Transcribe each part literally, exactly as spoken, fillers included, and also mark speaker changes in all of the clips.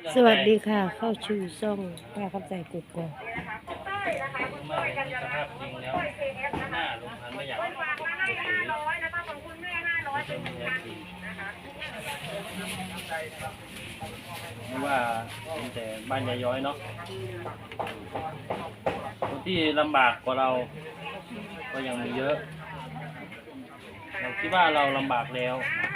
Speaker 1: สวัสดีค่ะเข้าชูซ่องป้าคำใจกุกกอก
Speaker 2: ไม่สภาพจริงแล้วหน้าลงพันไม่อยากไม่ว่าเป็นแต่บ้านยายย้อยเนาะคนที่ลำบากกว่าเราก็ยังมีเยอะเราคิดว่าเราลำบากแล้ว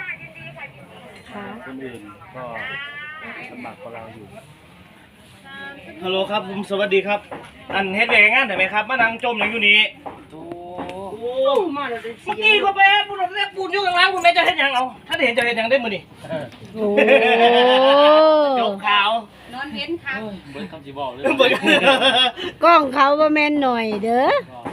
Speaker 2: คนอื่นก็ลำบากกว่าเราอยู่ฮัลโหลครับผมสวัสดีครับอันเฮ็ดเองงานได้ไหมครับมานั่งจมอย่างอยู่นี้โอ้โหมาแล้วเมื่อกี้ก็ไปปูนเล็กปูนอยู่ข้างล่างคุณแม่จะเฮ็ดยังเอาถ้าเห็นจะเฮ็ดยังได้มื้อนี่โอ้จบข่าวนอนเว้นครับเบิ่งคำสิบอกเลย
Speaker 1: กล้องเขาว่าแม่นหน่อยเด้อ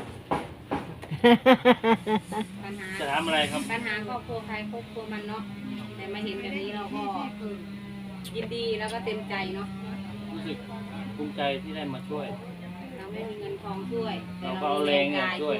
Speaker 3: ปัญหา
Speaker 2: จะทำอะไรครับ
Speaker 3: ปัญหาครอบครัวใครครอบครัวมันเนาะแต่มาเห็นแบบนี้เราก็ยินดีแล้วก็เต็มใจเนาะ
Speaker 2: รู้สึกภูมิใจที่ได้มาช่วย
Speaker 3: เราไม่มีเงินทองช่วย
Speaker 2: เราก็เอาแรงเนี่ยช่วย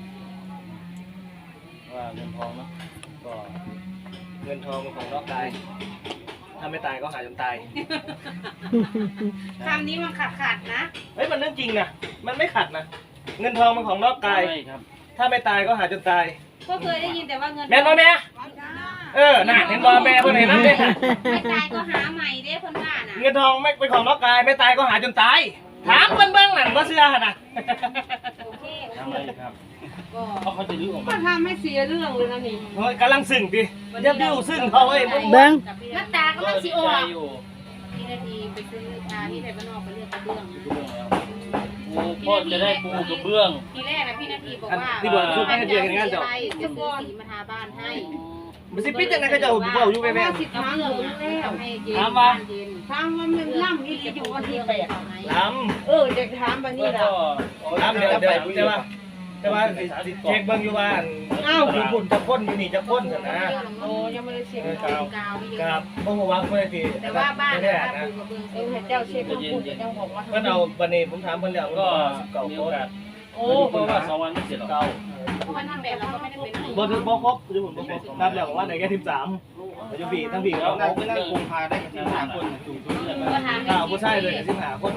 Speaker 2: ว่าเงินทองเนาะก็เงินทองของนอกกายถ้าไม่ตายก็หายจนตาย
Speaker 3: คำนี้มันขัดขัดนะ
Speaker 2: เฮ้ยมันเรื่องจริงนะมันไม่ขัดนะเงินทองมันของนอกกายถ้าไม่ตายก็หายจนตาย
Speaker 3: ก็เคยได้ยินแต่ว่าเงิน
Speaker 2: แม่บ่แม่เออน่ะเห็นบ่แม่เพิ่นเห็นนั่นเด้
Speaker 3: ไม่ตายก็หาใหม่เด้เพิ่นว่าน่ะ
Speaker 2: เงินทองไม่เป็นของนอกกายไม่ตายก็หาจนตายถามเพิ่นเบิ่งนั่นบ่เชื่อหั่นน่ะ
Speaker 3: โอเค
Speaker 2: ทำไมครับก็เขาจะลื้อออกมา
Speaker 3: ก็ทำให้เสียเรื่องเลยนะนี่
Speaker 2: เฮ้ยกำลังซึ้งดิอย่าบิ้วซึ้งเขาเอ้ย
Speaker 1: เบิ่ง
Speaker 3: น้ำตาก็มันสิออกพี่นาทีไปซื้อพาพี่ไทยบ้านนอกไปเลือกกระเบื้อง
Speaker 2: ปูพ่อจะได้ปูกระเบื้อง
Speaker 3: ทีแรกนะพี่นาทีบอกว่า
Speaker 2: ที่บอกชุดให้เดือนงานเจ้า
Speaker 3: จะซื้อสีมาทาบ้านให้
Speaker 2: มันสิปิดจังได๋เขาจะเอาบ่อยู่แม่ๆ
Speaker 3: สิทางแล้ว
Speaker 2: ถามว่า
Speaker 3: ทางมันมันล่ำอีอยู่วันที่แปด
Speaker 2: ถาม
Speaker 3: เออจะถามบัดนี้ล่ะ
Speaker 2: ถามเดี๋ยวเดี๋ยวแต่ว่าแต่ว่าสิเช็คเบิ่งอยู่ว่าอ้าวคุณจะพ่นอยู่นี่จะพ่นซั่นนะ
Speaker 3: โอ้ยังไม่ได้เช็คกาวกาวอยู่
Speaker 2: ครับบ่ฮู้ว่าเพิ่นสิ
Speaker 3: แต่ว่าบ้านนะเออเจ้าเช็คเพิ่นพูดจังบอกว่า
Speaker 2: เพิ่นเอาบัดนี้ผมถามเพิ่นแล้วก็มีโอกาสโอ้เพราะว่าสองวันไม่เสร็จหรอก
Speaker 3: เพราะว่านั่นแบบเราก็ไม่ได้เป็น
Speaker 2: บ่ถึงบ่ครบอยู่ผมบ่ครบครับแล้วว่าได้แค่สิบสามอยู่พี่ทั้งพี่เขานั่งนั่งกุมภาได้สิบห้าคนสูงสุดเลยอ่าผู้ชายเลยสิบห้าคน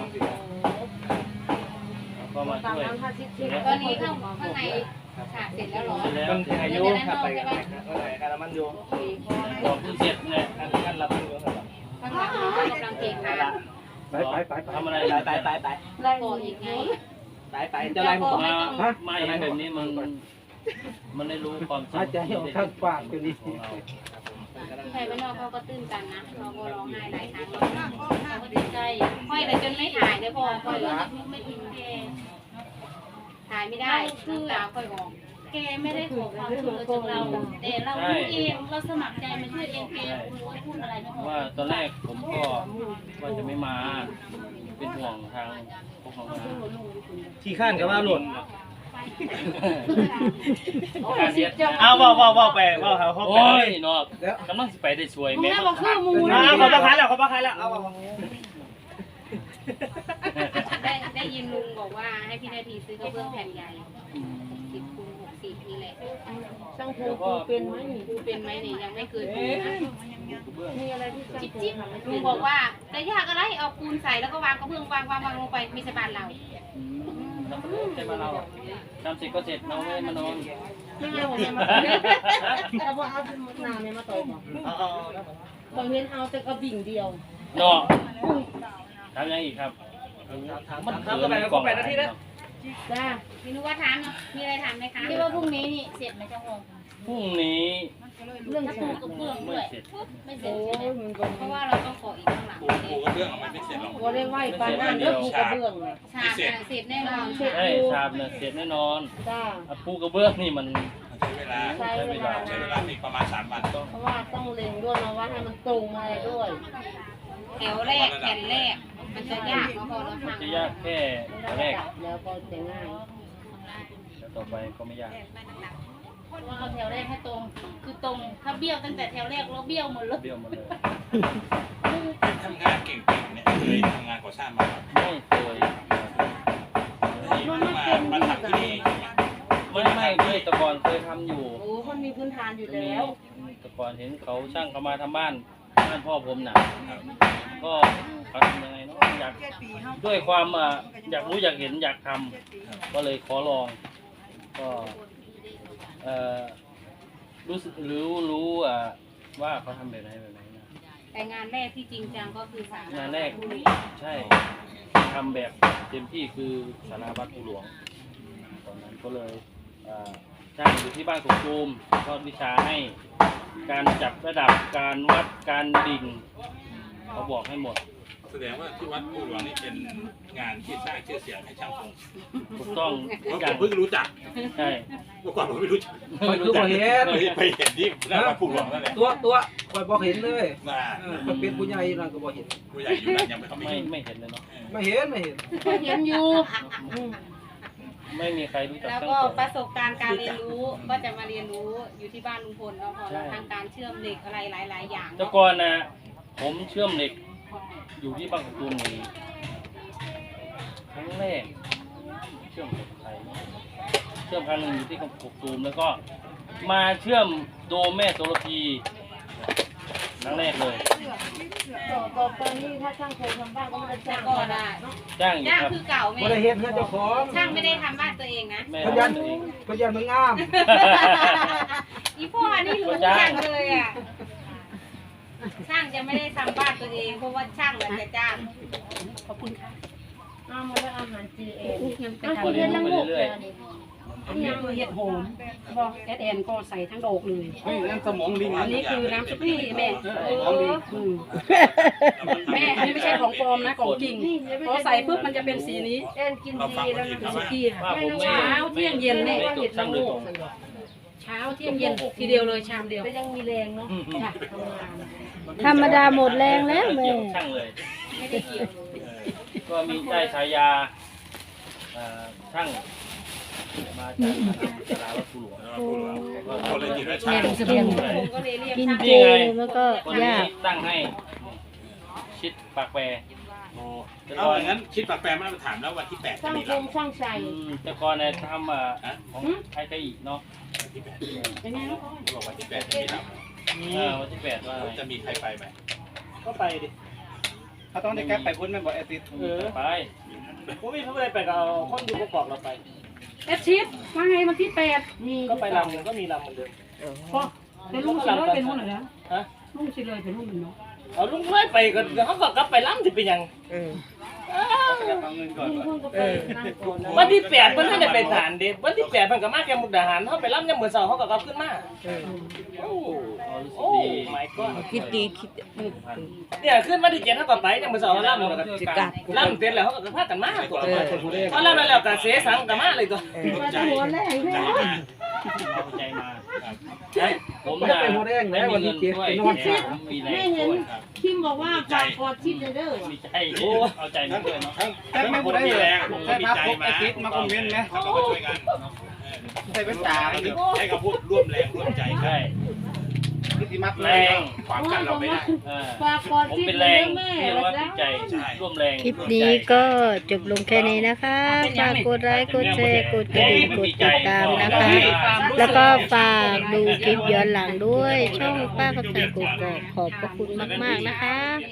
Speaker 2: ก็มาช่วย
Speaker 3: ตอนนี้ข้างข้างในขาดเสร็จแล้วหรอ
Speaker 2: มันอายุขับไปกันก็ไหนการมันอยู่ก็เพิ่งเสร็จเนี่ยการรับมันอยู่ครับ
Speaker 3: ข้างหลังก็กำลังเก่งค่ะ
Speaker 2: ไปไปไปทำอะไรไปไปไป
Speaker 3: ไล่ก่ออีกไง
Speaker 2: ไปไปจะไล่ผมมาไม่แบบนี้มันมันได้รู้ความจริง
Speaker 4: ใจของข้างปากอยู่ดี
Speaker 3: ใครบ้านนอกเขาก็ตื้นตันนะเราก็ร้องไห้หลายครั้งเราก็ดีใจค่อยแต่จนไม่ถ่ายเลยพอค่อยไม่ทิ้งแกถ่ายไม่ได้คือตาค่อยออกแกไม่ได้ขอความช่วยเหลือจากเราแต่เรารู้เองเราสมัครใจมาช่วยเองแกรู้ว่าพูดอะไรไม่พอ
Speaker 2: ว่าตอนแรกผมก็ว่าจะไม่มาเป็นห่วงทางพวกน้องที่ข้านกับว่าหล่นเอาเบาเบาเบาไปเบาเขาเขาไปเนาะกำลังสิไปได้สวยแม่
Speaker 3: บอกคือมู
Speaker 2: นะเขาประคายแล้วเขาประคายแล้วเอา
Speaker 3: ได้ได้ยินลุงบอกว่าให้พี่นาทีซื้อกระเบื้องแผ่นใหญ่สิบคูณหกสิบนี่แหละช่างภูปูเป็นไหมปูเป็นไหมเนี่ยยังไม่เกินปูนะมีอะไรที่จิ๊บจิ๊บลุงบอกว่าแต่ยากอะไรเอาปูนใส่แล้วก็วางกระเบื้องวางวางวางลงไปมีสบานเรา
Speaker 2: ใช่ไหมเราทำเสร็จก็เสร็จน้องไม่มานอน
Speaker 3: ไม่เอาเนี่ยมาแต่ว่าเอาน้ำเนี่ยมาต่อยบอกบางเห็นเอาแต่กระบิ่งเดียว
Speaker 2: เนาะทำยังอีกครับมันทำกันไปก็แปดนาทีแล้ว
Speaker 3: จ้าพี่นุว่าถามเนาะมีอะไรถามไหมคะที่ว่าพรุ่งนี้นี่เสร็จไหมเจ้าโง
Speaker 2: พรุ่งนี้
Speaker 3: เรื่องปูกระเบื้องด้วยไม่เสร็จเพราะว่าเราต้องขออีกข้างหลังปู
Speaker 4: กระเบื้องมันไม่เสร็จหรอก
Speaker 3: ว่าได้ไหวปานนั้นเรื่องปูกระเบื้องชาบเสร็จแน่นอน
Speaker 2: ใช่ชาบเนี่ยเสร็จแน่นอนจ้าปูกระเบื้องนี่มัน
Speaker 4: ใช้เวลาใช้เวลาใช้เวลาอีกประมาณสามวัน
Speaker 3: เพราะว่าต้องเล็งด้วยนะว่าให้มันตรงอะไรด้วยแถวแรกแผ่นแรกมันจะยากพอเราทำ
Speaker 2: จะยากแค่แรก
Speaker 3: แล้วก็จะง่าย
Speaker 2: แล้วต่อไปก็ไม่ยาก
Speaker 3: ว่าเอาแถวแรกให้ตรงคือตรงถ้าเบี้ยวตั้งแต่แถวแรกเราเบี้ยวหมดเลย
Speaker 2: เบี้ยวหมดเลย
Speaker 4: ทำงานเก่งๆเนี่ยเคยทำงานก่อสร้างมา
Speaker 2: ไม่เคย
Speaker 4: มามาทำที่นี่
Speaker 2: ไม่ไม่เคยแต่ก่อนเคยทำอยู่
Speaker 3: โอ้คนมีพื้นฐานอยู่แล้ว
Speaker 2: แต่ก่อนเห็นเขาช่างเขามาทำบ้าน
Speaker 5: บ้านพ่อผมน่ะก็เขาทำยังไงเนาะอยากด้วยความอ่ะอยากรู้อยากเห็นอยากทำก็เลยขอลองก็เอ่อรู้สึกรู้รู้อ่ะว่าเขาทำแบบไหนแบบไหนนะ
Speaker 3: แต่งานแรกที่จริงจังก็คือสาม
Speaker 5: งานแรกใช่ทำแบบเต็มที่คือสาราวัดภูหลวงตอนนั้นก็เลยอ่าจ้างอยู่ที่บ้านกกตูมทอดวิชาให้การจับระดับการวัดการดิ่งเขาบอกให้หมด
Speaker 4: แสดงว่าที่วัดผู้หลวงนี่เป็นงานที่สร้างชื่อเสียงให้ช่างพง
Speaker 5: ถูกต้อง
Speaker 4: เพราะ
Speaker 5: อ
Speaker 4: ผ
Speaker 5: ย่าง
Speaker 4: มเพิ่งรู้จัก
Speaker 5: ใช่
Speaker 4: เมื่อก่อนผมไม่รู้จัก
Speaker 6: คอยคือบ่เห็น
Speaker 4: ไปเห็นที่หน้าวัดผู้หลวงนั่นแหละ
Speaker 6: ตัวตัวคอยบ่เห็นเลย
Speaker 4: น่า
Speaker 6: เออมันเป็นผู้ใหญ่นั่นก็บ่เห็น
Speaker 4: ผู้ใหญ่อยู่นั่นยังไม่เขาไม่
Speaker 5: ไม่
Speaker 4: เห็น
Speaker 5: ไม่เห็นเลยเนาะ
Speaker 6: ไม่เห็นไม่เห็น
Speaker 3: ก็เห็นอยู่
Speaker 5: ไม่มีใครรู้จัก
Speaker 3: แล้ว
Speaker 5: ช่าง
Speaker 3: ก็
Speaker 5: ผม
Speaker 3: ประสบการณ์การเรียนรู้ก็จะมาเรียนรู้อยู่ที่บ้านลุงพลแล้วพอ
Speaker 5: ใช่
Speaker 3: ทางการเชื่อมเหล็กอะไรหลาย ๆ อย่าง
Speaker 5: แต่ก่อนนะผมเชื่อมเหล็กอยู่ที่บางกะตูมนี่ครั้งแรกเชื่อมเหล็กไทยเชื่อมครั้งหนึ่งอยู่ที่กกตูมแล้วก็มาเชื่อมโดมแม่โสระพีครั้งแรกเลย
Speaker 1: ต่อตอนนี้ถ้าช่างเคยทำบ้านก็ไม่ได้
Speaker 3: แต่
Speaker 1: จ้าง
Speaker 3: ก่อนอ่ะ
Speaker 5: จ้างอยู่
Speaker 3: ย่าง
Speaker 5: ครับ
Speaker 3: คือเก่าแม่
Speaker 6: บ่ได้เห็นเพื่อนเจ้าของ
Speaker 3: ช่างไม่ได้ทำบ้านตัวเองนะ
Speaker 5: แม่
Speaker 6: พยัน
Speaker 5: ทำตัวเอง
Speaker 6: พยันมันงาม
Speaker 3: อีพ่อนี่รู้
Speaker 5: จ้าง
Speaker 3: ช่างเลยอ่ะช่างจะไม่ได้ทำบ้านตัวเองเพราะว่าช่างแหละจะจ้างขอบคุณค่ะ
Speaker 1: เอามาแล้วอาหารจีเอ็น
Speaker 5: คนเรียนรู้ไปเรื่อย
Speaker 7: ยังเห็ดหอมบอกแอดแอนก็ใส่ทั้งดอกเลย
Speaker 6: เฮ้ยนั่นสมองลิง
Speaker 7: อันนี้คือน้ำซุปนี่แม่อืมแม่อันนี้ไม่ใช่ของปลอมนะของจริงพอใส่ปุ๊บมันจะเป็นสีนี้
Speaker 1: เอ็นกิน
Speaker 4: เราฟัง
Speaker 1: จี
Speaker 4: ค
Speaker 1: แล้ว
Speaker 4: นอื่น
Speaker 1: นะ
Speaker 4: เขา
Speaker 7: สุ
Speaker 4: ว่า
Speaker 7: กี้
Speaker 5: ๆว่าผมไม่
Speaker 7: เช้าเที่ยงเย็น
Speaker 5: ไม่
Speaker 7: เนี่ย
Speaker 5: จบช่างโดยตรง
Speaker 7: เช้าเที่ยงเย็นทีเดียวเลยชามเดียว
Speaker 1: ก็ยังมีแรงเนาะ
Speaker 7: จ้ะ
Speaker 1: ธรรมดาหมดแรงแล้วแม่
Speaker 5: เกี่ยวกับช่างเลย
Speaker 3: ไม่ได้เกี่ยว
Speaker 5: ก็มีได้ฉายาเอ่อช่างมาจากสาราวัดภูหลวง
Speaker 4: เขาเลยคิดว่าช่าง
Speaker 3: ผมก็เลยเรียก
Speaker 1: กิน
Speaker 3: ช่าง
Speaker 1: เจมันก็
Speaker 5: คนนี้
Speaker 1: ยาก
Speaker 5: ตั้งให้ชิดปากแปร
Speaker 4: โอ้เอาอย่างนั้นคิดปากแปรมาถามแล้ววันที่แปดจะ
Speaker 1: ช่าง
Speaker 4: มี
Speaker 1: ค
Speaker 4: ล
Speaker 1: มช่างใส่
Speaker 5: อืมแต่ก่อนเนี่ยทำอ่ะของไทยไทยอีกเนาะ
Speaker 4: ำวันที่แปด
Speaker 7: เป็นไงลูก
Speaker 4: บอกวันที่แปดจะมีล
Speaker 5: เออวันที่แปดว่าอะไร
Speaker 4: ำจะมีใครไปไหม
Speaker 2: ก็ไปดิเขาต้องได้แก๊ปไปพุ่นไม่บอกแอติด
Speaker 5: เออไป
Speaker 2: ผมมีเขาไม่ได้ไปกับเอาคนอยู่ประกอบเราไป
Speaker 7: แอดชิดว่าไงวันที่แปดมี
Speaker 2: ก็ไปลำหนึ่งก็มีลำเหมือนเดิม
Speaker 7: พอเป็นลุงสิเลยเป็นหุ่นเหรอ
Speaker 2: ฮะ
Speaker 7: ลุงสิเลยเป็นหุ่นเนาะ
Speaker 2: เอาลุงไม่ไปกันเขาก็กลับไปลำสิเป็นยัง
Speaker 6: เอาเงินก่อน
Speaker 1: ลุงเพิ่งก็ไปนั่งก่อนนะ
Speaker 2: วันที่แปดเพิ่นท่านได้ไปฐานเด็วันที่แปดเพิ่นก็มาแค่มุกดาหารเขาไปลำยังเหมือนเสาเขาก็กลับขึ้นมาโอ้
Speaker 5: อ๋อรู้สึก
Speaker 2: โอ้
Speaker 5: ดี
Speaker 2: ไม่ก็
Speaker 1: คิดดีคิด
Speaker 2: เนี่ยขึ้นมาที่เจ็ดเขาก็ไปยังเหมือนเสาเขาลำแล้วก็จิกาลำเสร็จแล้วเขาก็พากันมาตัวเขาลำแล้วก็เสียสังกันมาเลยตัว
Speaker 4: ใจหัวแรกใจมาก
Speaker 5: เอาใจมา
Speaker 4: ครับ
Speaker 5: ผม
Speaker 6: ไม่
Speaker 5: น่ะ
Speaker 6: เป็นหัวแดง
Speaker 5: ไม่
Speaker 6: แล้ว
Speaker 5: มี
Speaker 6: วัน
Speaker 5: เงิ
Speaker 6: ที่
Speaker 5: น
Speaker 6: เจ็ด
Speaker 5: ช่วย
Speaker 6: ไปนอน
Speaker 5: แต่ผมมีแรงช่วย
Speaker 4: ครับ
Speaker 1: คิมบอกว่าฝากกอดชิดเลยเด้อ
Speaker 5: มีใจเอาใจมาด้วยเนาะ
Speaker 2: แต่ไม่พูดได้
Speaker 4: มี
Speaker 2: เลย
Speaker 4: แรงผมก็มีใจมามาคอมเมนต์นะเขาก็มาช่วยกัน
Speaker 2: ใส่เป็นตา
Speaker 4: ให้เขาพูดร่วมแรงร่วมใจกั
Speaker 5: ใช่
Speaker 4: น
Speaker 2: พิธีมัด
Speaker 5: แร
Speaker 2: แรง
Speaker 5: ง
Speaker 4: ขวางกันเราไม่ได้
Speaker 5: เออ
Speaker 1: ฝากกอด
Speaker 5: ผม
Speaker 1: ชิด
Speaker 5: เป็น
Speaker 1: เล
Speaker 5: แร
Speaker 1: ย
Speaker 5: ง
Speaker 1: แม่
Speaker 5: เรียกว่าจิตใจร่วมแรง
Speaker 1: คลิปนี้ก็จบลงแค่นี้นะคะ ฝากกดไลค์กดแชร์กดกระดิ่งกดติดตามนะคะ แล้วก็ฝากดูคลิปย้อนหลังด้วย ช่องป้ากับใจกดขอบพระคุณมากๆนะคะ